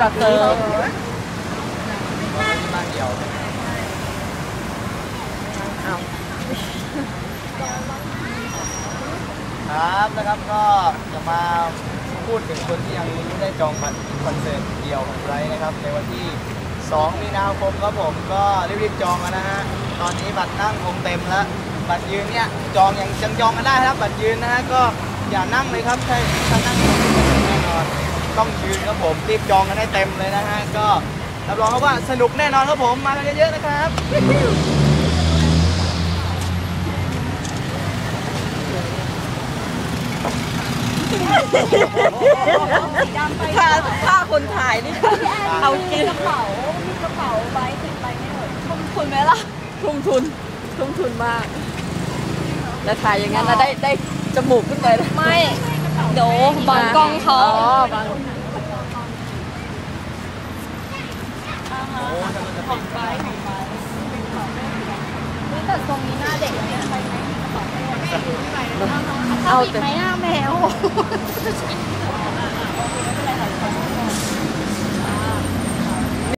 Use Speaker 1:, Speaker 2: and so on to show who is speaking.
Speaker 1: กับเติม
Speaker 2: บ้านเดียวครับนะครับก็จะมาพูดถึงคนที่ยังไม่ได้จองบัตรคอนเสิร์ตเดี่ยวของไบรท์นะครับในวันที่2 มีนาคมครับผมก็รีบๆจองกันนะฮะตอนนี้บัตรนั่งคงเต็มแล้วบัตรยืนเนี่ยจองยังจองกันได้ครับบัตรยืนนะฮะก็อย่านั่งเลยครับถ้านั่งแน่นอนต้องยืนครับผมรีบจองกันให้เต็มเลยนะฮะก็รับรองครับว่าสนุกแน่นอนครับผมมากันเยอะๆนะครับ
Speaker 1: ถ้าคนถ่ายนี่เอาจริง
Speaker 3: กระเป๋าใบติดไปไม่หมดทุ่มทุนไหมล่ะ
Speaker 1: ทุ่มทุนมากแล้วถ่ายอย่างนั้นแล้วได้จมูกขึ้นไปเลย
Speaker 3: ไม่เดี๋ยวบังกล้องเขา
Speaker 1: บัง
Speaker 3: แต่ทรงนี้หน้าเด็กเนี่ยไปไหม
Speaker 1: เอา
Speaker 3: ติดไหมหน้าแมว